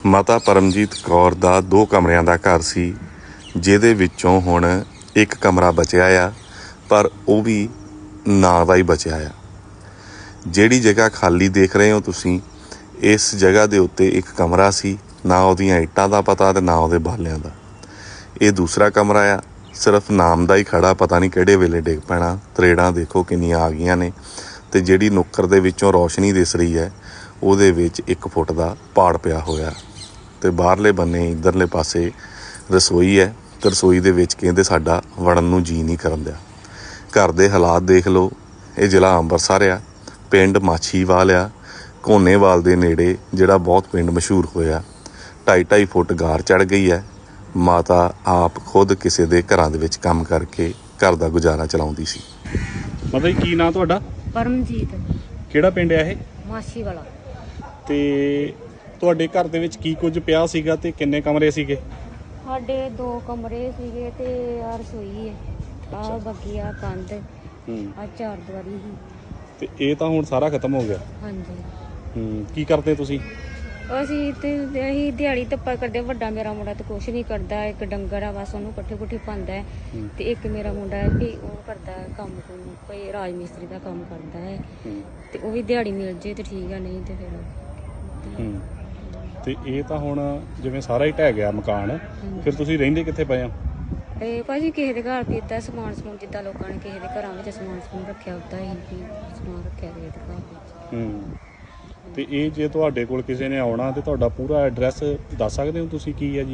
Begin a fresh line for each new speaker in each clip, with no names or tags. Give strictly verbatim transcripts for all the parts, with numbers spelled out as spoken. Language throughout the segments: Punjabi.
ਮਾਤਾ ਪਰਮਜੀਤ ਕੌਰ ਦਾ ਦੋ ਕਮਰਿਆਂ ਦਾ ਘਰ ਸੀ, ਜਿਹਦੇ ਵਿੱਚੋਂ ਹੁਣ ਇੱਕ ਕਮਰਾ ਬਚਿਆ ਆ, ਪਰ ਉਹ ਵੀ ਨਾਂ ਦਾ ਹੀ ਬਚਿਆ ਆ। ਜਿਹੜੀ ਜਗ੍ਹਾ ਖਾਲੀ ਦੇਖ ਰਹੇ ਹੋ ਤੁਸੀਂ, ਇਸ ਜਗ੍ਹਾ ਦੇ ਉੱਤੇ ਇੱਕ ਕਮਰਾ ਸੀ, ਨਾ ਉਹਦੀਆਂ ਇੱਟਾਂ ਦਾ ਪਤਾ ਤੇ ਨਾ ਉਹਦੇ ਬਾਲਿਆਂ ਦਾ। ਇਹ ਦੂਸਰਾ ਕਮਰਾ ਆ, ਸਿਰਫ ਨਾਮ ਦਾ ਹੀ ਖੜਾ, ਪਤਾ ਨਹੀਂ ਕਿਹੜੇ ਵੇਲੇ ਡਿੱਗ ਪੈਣਾ। ਤਰੇੜਾਂ ਦੇਖੋ ਕਿੰਨੀਆਂ ਆ ਗਈਆਂ ਨੇ, ਤੇ ਜਿਹੜੀ ਨੁੱਕਰ ਦੇ ਵਿੱਚੋਂ ਰੌਸ਼ਨੀ ਦਿਸ ਰਹੀ ਹੈ ਉਹਦੇ ਵਿੱਚ ਇੱਕ ਫੁੱਟ ਦਾ ਪਾੜ ਪਿਆ ਹੋਇਆ। ਤੇ ਬਾਹਰਲੇ ਬੰਨੇ ਇੱਧਰਲੇ ਪਾਸੇ ਰਸੋਈ ਹੈ, ਤੇ ਰਸੋਈ ਦੇ ਵਿੱਚ ਕਹਿੰਦੇ ਸਾਡਾ ਵੜਨ ਨੂੰ ਜੀ ਨਹੀਂ ਕਰਨ ਦਿਆ। ਘਰ ਦੇ ਹਾਲਾਤ ਦੇਖ ਲਓ। ਇਹ ਜ਼ਿਲ੍ਹਾ ਅੰਮ੍ਰਿਤਸਰ ਆ, ਪਿੰਡ ਮਾਛੀਵਾਲ ਆ, ਘੋਨੇਵਾਲ ਦੇ ਨੇੜੇ, ਜਿਹੜਾ ਬਹੁਤ ਪਿੰਡ ਮਸ਼ਹੂਰ ਹੋਇਆ। ਢਾਈ ਢਾਈ ਫੁੱਟ ਗਾਰ ਚੜ੍ਹ ਗਈ ਹੈ। ਮਾਤਾ ਆਪ ਖੁਦ ਕਿਸੇ ਦੇ ਘਰਾਂ ਦੇ ਵਿੱਚ ਕੰਮ ਕਰਕੇ ਘਰ ਦਾ ਗੁਜ਼ਾਰਾ ਚਲਾਉਂਦੀ ਸੀ।
ਮਾਤਾ ਜੀ ਕੀ ਨਾਂ ਤੁਹਾਡਾ?
ਪਰਮਜੀਤ।
ਕਿਹੜਾ ਪਿੰਡ ਹੈ ਇਹ?
ਮਾਛੀ ਵਾਲਾ।
ਤੇ ਤੁਹਾਡੇ ਘਰ ਦੇ ਵਿੱਚ ਕੀ ਕੁਝ ਪਿਆ ਸੀਗਾ ਤੇ ਕਿੰਨੇ ਕਮਰੇ ਸੀਗੇ?
ਸਾਡੇ ਦੋ ਕਮਰੇ ਸੀਗੇ ਤੇ ਆ ਰਸੋਈ ਹੈ, ਆ ਬੱਗੀ ਆ ਕੰਧ, ਆ ਚਾਰ ਦੀਵਾਰੀ ਸੀ।
ਤੇ ਇਹ ਤਾਂ ਹੁਣ ਸਾਰਾ ਖਤਮ ਹੋ ਗਿਆ।
ਹਾਂਜੀ।
ਹੂੰ ਕੀ ਕਰਦੇ ਤੁਸੀਂ?
ਅਸੀਂ ਤੇ ਅਸੀਂ ਦਿਹਾੜੀ ਧੱਪਾ ਕਰਦੇ। ਵੱਡਾ ਮੇਰਾ ਮੁੰਡਾ ਤੇ ਕੁਛ ਨਹੀਂ ਕਰਦਾ, ਇੱਕ ਡੰਗਰ ਆ ਬਸ, ਉਹਨੂੰ ਪੱਠੇ ਪੁੱਠੇ ਪਾਉਂਦਾ ਹੈ। ਤੇ ਇੱਕ ਮੇਰਾ ਮੁੰਡਾ ਹੈ ਵੀ ਉਹ ਕਰਦਾ ਕੰਮ, ਕੋਈ ਰਾਜ ਮਿਸਤਰੀ ਦਾ ਕੰਮ ਕਰਦਾ ਹੈ, ਤੇ ਉਹ ਵੀ ਦਿਹਾੜੀ ਮਿਲ ਜੇ ਤੇ ਠੀਕ ਆ, ਨਹੀਂ ਤੇ ਫਿਰ।
ਹੂੰ ਤੇ ਇਹ ਤਾਂ ਹੁਣ ਜਿਵੇਂ ਸਾਰਾ ਹੀ ਢਹਿ ਗਿਆ ਮਕਾਨ, ਫਿਰ ਤੁਸੀਂ ਰਹਿੰਦੇ ਕਿੱਥੇ ਪਏ ਆ?
ਇਹ ਭਾਜੀ ਕਿਸੇ ਦੇ ਘਰ ਪੀਤਾ ਸਮਾਨ ਸਮੂਨ, ਜਿੱਦਾਂ ਲੋਕਾਂ ਨੇ ਕਿਸੇ ਦੇ ਘਰਾਂ ਵਿੱਚ ਸਮਾਨ ਸਮੂਨ ਰੱਖਿਆ ਹੁੰਦਾ ਹੀ ਵੀ ਸਮਾਨ ਰੱਖਿਆ ਕਿਸੇ ਦੇ ਘਰ ਵਿੱਚ।
ਹੂੰ ਤੇ ਇਹ ਜੇ ਤੁਹਾਡੇ ਕੋਲ ਕਿਸੇ ਨੇ ਆਉਣਾ ਤੇ ਤੁਹਾਡਾ ਪੂਰਾ ਐਡਰੈਸ ਦੱਸ ਸਕਦੇ ਹੋ ਤੁਸੀਂ? ਕੀ ਹੈ ਜੀ?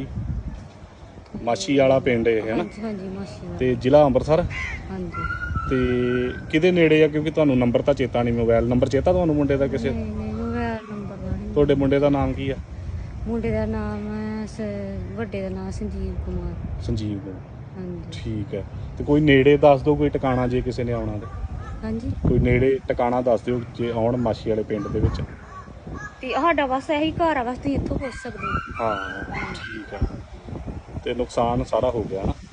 ਮਾਛੀ ਵਾਲਾ ਪਿੰਡ ਇਹ ਹੈ ਨਾ?
ਹਾਂਜੀ ਹਾਂਜੀ, ਮਾਛੀ ਵਾਲਾ।
ਤੇ ਜ਼ਿਲ੍ਹਾ ਅੰਮ੍ਰਿਤਸਰ?
ਹਾਂਜੀ।
ਤੇ ਕਿਹਦੇ ਨੇੜੇ ਆ? ਕਿਉਂਕਿ ਤੁਹਾਨੂੰ ਨੰਬਰ ਤਾਂ ਚੇਤਾ ਨਹੀਂ, ਮੋਬਾਈਲ ਨੰਬਰ ਚੇਤਾ ਤੁਹਾਨੂੰ ਮੁੰਡੇ ਦਾ ਕਿਸੇ?
ਨਹੀਂ ਨਹੀਂ, ਮੋਬਾਈਲ ਨੰਬਰ ਦਾ ਨਹੀਂ।
ਤੁਹਾਡੇ ਮੁੰਡੇ ਦਾ ਨਾਮ ਕੀ ਆ?
ਮੁੰਡੇ ਦਾ ਨਾਮ ਹੈ ਸ- ਵੱਡੇ ਦਾ ਨਾਮ ਸੰਜੀਵ ਕੁਮਾਰ।
ਸੰਜੀਵ ਕੁਮਾਰ।
ਹਾਂਜੀ।
ਠੀਕ ਹੈ। ਤੇ ਕੋਈ ਨੇੜੇ ਦੱਸ ਦਿਓ, ਕੋਈ ਟਿਕਾਣਾ ਜੇ ਕਿਸੇ ਨੇ ਆਉਣਾ ਤੇ।
ਹਾਂਜੀ।
ਕੋਈ ਨੇੜੇ ਟਿਕਾਣਾ ਦੱਸ ਦਿਓ ਜੇ ਆਉਣ ਮਾਛੀ ਵਾਲੇ ਪਿੰਡ ਦੇ ਵਿੱਚ।
ਤੇ ਸਾਡਾ ਬਸ ਇਹੀ ਘਰ ਆ, ਬਸ ਤੁਸੀਂ ਇੱਥੋਂ ਪੁੱਛ ਸਕਦੇ ਹੋ।
ਹਾਂ ਠੀਕ ਹੈ। ਤੇ ਨੁਕਸਾਨ ਸਾਰਾ ਹੋ ਗਿਆ ਨਾ?